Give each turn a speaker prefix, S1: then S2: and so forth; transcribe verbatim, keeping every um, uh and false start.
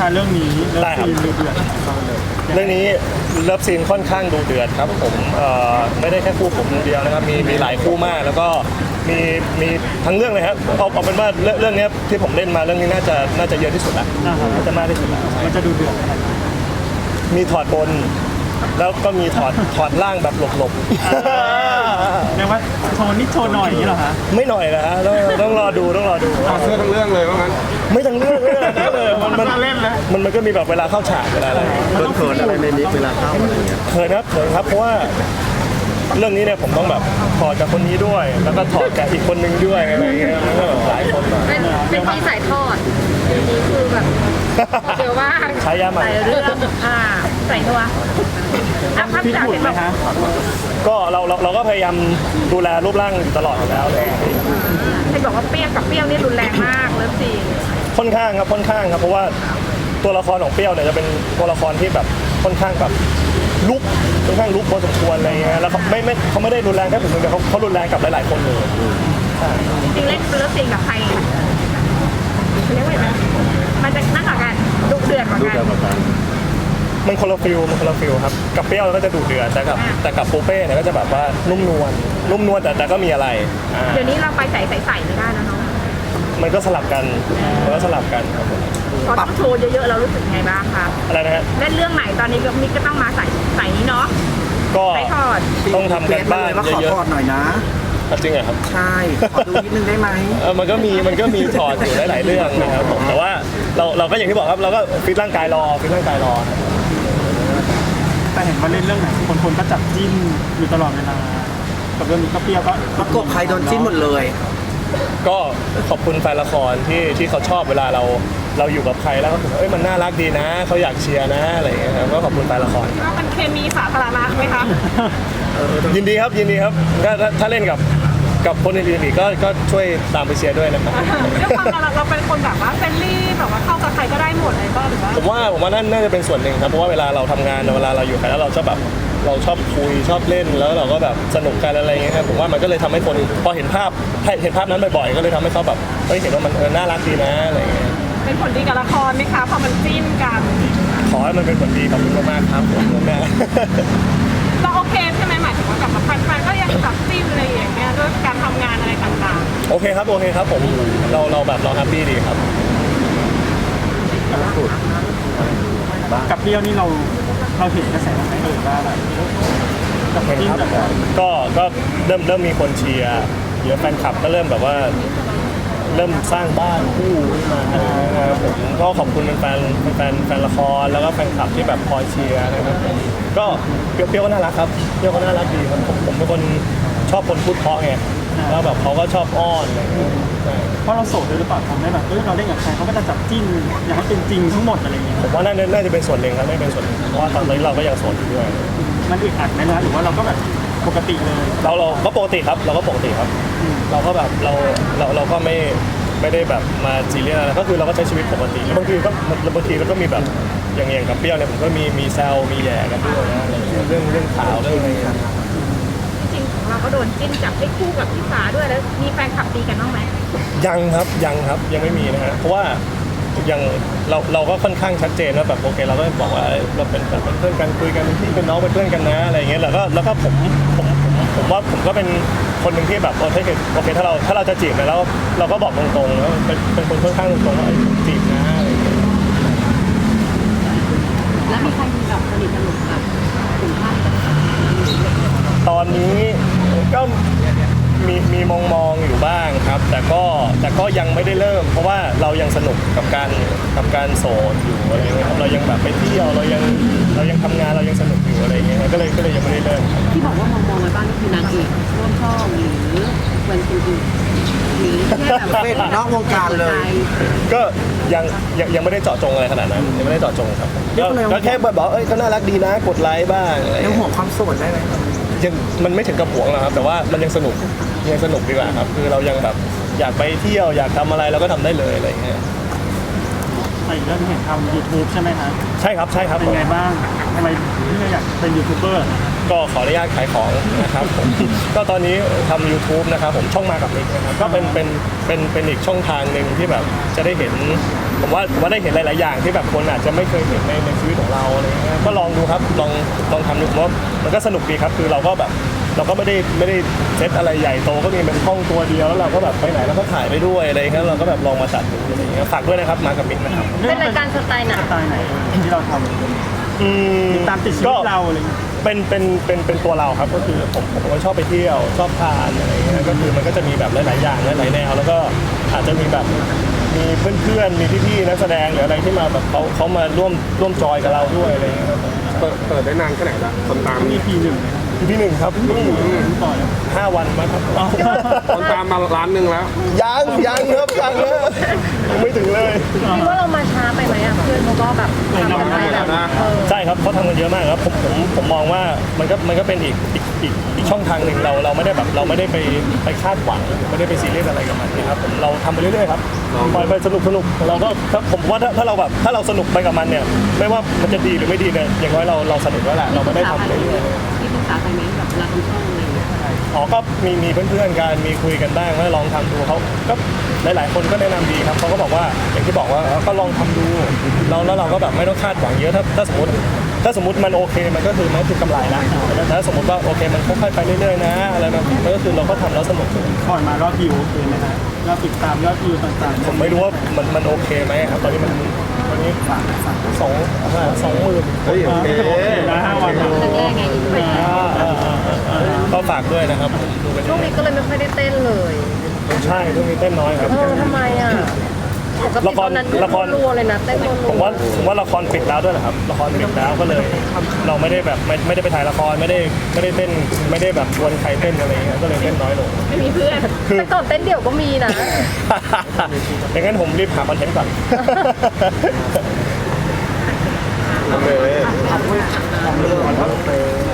S1: คะเรื่องนี้เรื่องซีนดูเดือด
S2: เรื่องนี้เลิฟซีนค่อนข้างดูเดือดครับผมไม่ได้แค่คู่ผมคนเดียวนะครับมีมีหลายคู่มากแล้วก็มีมีทั้งเรื่องเลยครับเอาเอาเป็นว่าเรื่องนี้ที่ผมเล่นมาเรื่องนี้น่าจะน่าจะเยอะที่สุดละน่าจะมากที่สุดละ
S1: มันจะดูเดือด
S2: มีถอดบนแล้วก็มีถอดถอดล่างแบบหลบ
S1: ๆเรียกว่าโชว์นิดโชว์หน่อยอย่างนี้เหรอคะ
S2: ไม่หน่อยนะฮะต้องต้องรอดูต้องรอดู
S3: เสื้อทั้งเรื่องเลยว่างั้น
S2: ไม่ทั้งเรื่องเลยมันมัน
S1: เล่นเลย
S2: มันมันก็มีแบบเวลาเข้าฉากเวลาอะไร
S3: เขินอะไรในนี้เวลาเข้าอะไรเงี้ย
S2: เขินครับเขินครับเพราะว่าเรื่องนี้เนี่ยผมต้องแบบถอดกับคนนี้ด้วยแล้วก็ถอดกับอีกคนนึงด้วยอะไรเงี้ยมันก็หลายคน
S4: เป็นเป็นที่สายทอดทีนี้คือแบบเดี๋ยวว่า
S2: ใช้ยาใหม่
S4: ใส่เรื่องอ่าใส่ตัวอ่ะพักจากเห็นแบบ
S2: ก็เราเราเราก็พยายามดูแลรูปร่างอยู่ตลอดอยู่แล้วเลย
S4: ให้บอกว่าเปรี้ยวกับเปรี้ยวนี่รุนแรงมากเลยสิ
S2: ค่อนข้างครับค่อนข้างครับเพราะว่าตัวละครของเปรี้ยวเนี่ยจะเป็นตัวละครที่แบบค่อนข้างแบบลุกค่อนข้างลุกพอสมควรอะไรเงี้ยแล้วเขาไม่ไม่เขาไม่ได้รุนแรงแค่ผมคนเดียวเขาเขารุนแรงกับหลายๆคนเลย
S4: จริงๆเล่นเลิฟซีนกับใครเรียกว่าไงมันจะนั่งกับกันดุเดือดกว่ากัน
S2: มันคนละฟิลมันคนละฟิลครับกับเปรี้ยวก็จะดุเดือดแต่กับแต่กับปูเป้เนี่ยก็จะแบบว่านุ่มนวลนุ่มนวลแต่แต่ก็มีอะไร
S4: เดี๋ยวนี้เราไปใส่ใส่ใส่ไม่ได้แล้วเนาะ
S2: มันก็สลับกันมันก็สลับกันครับ
S4: พอต้องโชว์เยอะๆเรารู้สึกไงบ้างคะ
S2: อะไรนะฮะ
S4: เล่นเรื่องไหนตอนนี้ก็มิกก็ต้องมาใส่ใส่นี้เนาะ
S2: ก็
S4: ต้
S2: องทำกันบ้าน
S3: เยอะๆขอถอดหน่อยนะ
S2: จริงเหรอครับ
S3: ใช่ขอดูนิดนึงได้ไหม
S2: เออมันก็มีมันก็มีถอดอยู่หลายๆเรื่องนะครับผมแต่ว่าเราเราก็อย่างที่บอกครับเราก็ฟิตร่างกายรอฟิตร่างกายรอ
S1: แต่เห็นว่าเล่นเรื่องไหนคนคนก็จับจิ้นอยู่ตลอดเวลากับเรื่องนี้ก็เปรี้ยวก็
S3: ประกบใครโดนจิ้นหมดเลย
S2: ก็ขอบคุณแฟนละครที่ที่เขาชอบเวลาเราเราอยู่กับใครแล้วเขาเอ้ยมันน่ารักดีนะเขาอยากเชียร์นะอะไรอย่างเงี้ยครับก็ขอบคุณแฟนละคร
S4: ว่ามันเคมีสาธารณะไหมคะ
S2: ยินดีครับยินดีครับถ้าถ้าเล่นกับกับคนอื่นๆอีกก็ก็ช่วยตามไปเชียร์ด้วยนะครับ
S4: ด้วยความเราเราเป็นคนแบบว่าเฟรนลี่แบบว่าเข้ากับใครก็ได้หมดเลยก็หรือว่า
S2: ผมว่าผมว่านั่นน่าจะเป็นส่วนหนึ่งครับเพราะว่าเวลาเราทำงานเวลาเราอยู่ใครแล้วเราชอบแบบเราชอบคุยชอบเล่นแล้วเราก็แบบสนุกกันอะไรอย่างเงี้ยครับผมว่ามันก็เลยทำให้คนพอเห็นภาพเห็นภาพนั้นบ่อยๆก็เลยทำให้เขาแบบเฮ้ยเห็นว่ามันน่ารักดีนะอะไรอย่างเงี้ย
S4: เป็นผลดีกับละครไหมคะพอมันจิ้นกัน
S2: ขอให้มันเป็นผลดีขอบคุณมากๆครับผมแม่
S4: เราโอเคใช่ไหมหมายถึงว่ากับแฟนๆก็ยังจับจิ้นอะไรอย่างเงี้ยด้วยการทำงานอะไรต่าง
S2: ๆโอเคครับโอเคครับผมเราเราแบบเราแฮปปี้ดีครับ
S1: กับเปรี้ยวนี่เราเราเห็นกระแสไหมเออว่าแบบ
S2: กับจิ้นก็ก็เริ่มเริ่มมีคนเชียร์เยอะแฟนคลับก็เริ่มแบบว่าเริ่มสร้างบ้านคู่มาผมก็ขอบคุณแฟนแฟนแฟนละครแล้วก็แฟนคลับที่แบบคอยเชียร์นะครับก็เปรี้ยวก็น่ารักครับเปรี้ยวก็น่ารักดีครับผมผมเป็นคนชอบคนพูดเพราะไงแล้วแบบเขาก็ชอบอ้อนอะไร
S1: เพราะเราโสดด้วยหรือเปล่าทำให้แบบเออเราเล่นกับใครเขาก็จะจับจิ้นอยากให้เป็นจริงทั้งหมดอะไรอย่างเงี้ย
S2: ผมว่าน่าน่าจะเป็นส่วนหนึ่งครับไม่เป็นส่วนเพราะว่าตอนนี้เราก็ยังโสดอยู่ด้วย
S1: มันอึดอัดไหมนะหรือว่าเราก็แบบปกติเลย
S2: เราเราก็ปกติครับเราก็ปกติครับเราก็แบบเราเราเราก็ไม่ไม่ได้แบบมาซีเรียสอะไรก็คือเราก็ใช้ชีวิตปกติแล้วบางทีก็บางทีเราก็มีแบบอย่างอย่างกับเปรี้ยวเนี่ยผมก็มีมีแซวมีแย่กันด้วยนะเรื่องเรื่องข่าวเรื่องอะไร
S4: จริงของเราก็โดนจิ้นจับให้คู่กับพี่ฟ้าด้วยแล้วมีแฟนคลับตีกันบ้างไหม
S2: ยังครับยังครับยังไม่มีนะฮะเพราะว่ายังเราเราก็ค่อนข้างชัดเจนว่าแบบโอเคเราก็บอกว่าเราเป็นแบบเป็นเพื่อนกันคุยกันเป็นพี่เป็นน้องเป็นเพื่อนกันนะอะไรอย่างเงี้ยแล้วก็แล้วก็ผมผมผมว่าผมก็เป็นคนหนึ่งที่แบบโอเคโอเคถ้าเราถ้าเราจะจีบเนี่ยแล้วเราก็บอกตรงๆแล้วเป็นเป็นคนค่อนข้างตรงๆว่าจีบนะอะไรอย่างเงี้ย
S4: แล้วมีใครมีแบบสนิทสนุกแบบถึงขั้น
S2: ตอนนี้ก็มีมีมองมองอยู่บ้างครับแต่ก็แต่ก็ยังไม่ได้เริ่มเพราะว่าเรายังสนุกกับการกับการโสดอยู่อะไรเงี้ยครับเรายังแบบไปเที่ยวเรายังเรายังทำงานเรายังสนุกอยู่อะไรเงี้ยก็เลยก็เลยยังไม่ได้เริ่ม
S4: ที่บอกว่ามองมองไว้บ้างก็คือนางเอกร่วมช่องหรือเวนคนอื่นหรือแค่แบบ
S3: เป็นนอกวงการเลย
S2: ก็ยังยังยังไม่ได้เจาะจงอะไรขนาดนั้นยังไม่ได้เจาะจงครับก็แค่บอกเอ้ยเขาน่ารักดีนะกดไลค์บ้าง
S3: ยังห่วงความโสดได้ไหม
S2: ยังมันไม่ถึงกับห่วงหรอกครับแต่ว่ามันยังสนุกยังสนุกดีกว่าครับคือเรายังแบบอยากไปเที่ยวอยากทำอะไรเราก็ทำได้เลยอะไรอย่างเงี้ย
S1: ไปเรื่องเห็นทำ ยูทูบ ใช่ไหมครับ
S2: ใช่ครับใช่ครับ
S1: เป็นไงบ้างทำไมพี่อยากเป็นยูทูบเบอร์
S2: ก็ขออนุญาตขายของนะครับผมก็ตอนนี้ทำ ยูทูบ นะครับผมช่องมากับมิกนะครับก็เป็นเป็นเป็นเป็นอีกช่องทางหนึ่งที่แบบจะได้เห็นผมว่าผมว่าได้เห็นหลาย ๆ อย่างที่แบบคนอาจจะไม่เคยเห็นในในชีวิตของเราอะไรเงี้ยก็ลองดูครับลองลองทำดูผมว่ามันก็สนุกดีครับคือเราก็แบบเราก็ไม่ได้ไม่ได้เซตอะไรใหญ่โตก็มีเป็นห้องตัวเดียวแล้วเราก็แบบไปไหนเราก็ถ่ายไปด้วยอะไรเงี้ยเราก็แบบลองมาจัดดูอะไรเงี้ยฝากด้วยนะครับมากับมิกนะครับ
S4: เป็นรายการสไตล์ไหน
S1: สไตล์ไหนที่เราทำ
S2: อืม
S1: ตามติดชีวิตเราอะไรอย่างเงี้ย
S2: เป็นเป็นเป็นเป็นตัวเราครับก็คือผมผมก็ชอบไปเที่ยวชอบทานอะไรเงี้ยก็คือมันก็จะมีแบบหลาย ๆ อย่างหลาย ๆ แนว แล้วก็อาจจะมีแบบมีเพื่อน ๆ มีพี่ ๆ นักแสดงหรืออะไรที่มาแบบเขาเขามาร่วมร่วมจอยกับเราด้วยอะไรเงี้ยครับ
S5: เปิดเปิดได้นานแค่ไหนละคนตาม
S1: มีพีหนึ่ง
S2: พี่หนึ่งครับ
S1: ต่อย
S2: ห้าวันมาครับ
S5: คนตามมาล้านหนึ่งแล้ว
S2: ยังยังครับยังนะยังไม่ถึงเลย
S4: คิดว่าเรามาช้าไปไหมอ่ะเพื่อนเขาก็แบบทำอะไรแบบเออ
S2: ใช่ครับเขาทำกันเยอะมากครับผมผมผมมองว่ามันก็มันก็เป็นอีกอีกอีกอีกช่องทางหนึ่งเราเราไม่ได้แบบเราไม่ได้ไปไปคาดหวังไม่ได้ไปซีเรียสอะไรกับมันนะครับผมเราทำไปเรื่อยๆครับปล่อยไปสนุกสนุกเราก็ถ้าผมว่าถ้าถ้าเราแบบถ้าเราสนุกไปกับมันเนี่ยไม่ว่ามันจะดีหรือไม่ดีเนี่ยอย่างน้อยเราเราสนุกแล้วแหละเราไม่ได้ทำไปเรื่อย
S6: ที่ปรึกษาใครไหมแบบเวลาทำช่องอะไรอย่างเงี้ย
S2: อ๋อก็มีมีเพื่อนๆกันมีคุยกันบ้างว่าลองทำดูเขาก็หลายๆคนก็แนะนำดีครับเขาก็บอกว่าอย่างที่บอกว่าเออก็ลองทำดูเราแล้วเราก็แบบไม่ต้องคาดหวังเยอะถ้าถ้าสมมติถ้าสมมติมันโอเคมันก็คือมันก็คือกำไรนะแต่ถ้าสมมติว่าโอเคมันค่อยๆไปเรื่อยๆนะอะไรแบบนี้มันก็คือเราก็ทำแล้วสนุก
S1: ก่อนมารอบวิวโอเคไหมฮะยอดติดตามยอดวิวต่างๆ
S2: ผมไม่รู้ว่ามันมันโอเคไหมครับตอนนี้มันตอนนี้สองสองสองหมื่น
S5: เฮ้ยโอเค
S1: โอเคนะห้าวันนะ
S6: แรกๆไงอีกไป
S2: ก็ฝากด้วยนะครับดูกัน
S4: ช่วงนี้ก็เลยไม่ค่อยได้เต้นเลย
S2: ใช่ช่วงนี้เต้นน้อยครับ
S4: เออทำไมอ่ะปกติตอนนั้น
S2: ละคร
S4: รัวๆเลยนะเต้นรัวๆ
S2: ผมว่าผมว่าละครปิดแล้วด้วยนะครับละครปิดแล้วก็เลย เราไม่ได้แบบไม่ไม่ได้ไปถ่ายละครไม่ได้ไม่ได้เต้นไม่ได้แบบชวนใครเต้นอะไรอย่างเงี้ยก็เลยเต้นน้อยลง
S4: ไม่มีเพื่อนแต่ก่อนเต้นเดี่ยวก็มีนะ
S2: อย่างนั้นผมรีบหาคอนเทนต์ก่อน
S5: โอเค
S3: ของเรื่องของเรื่อง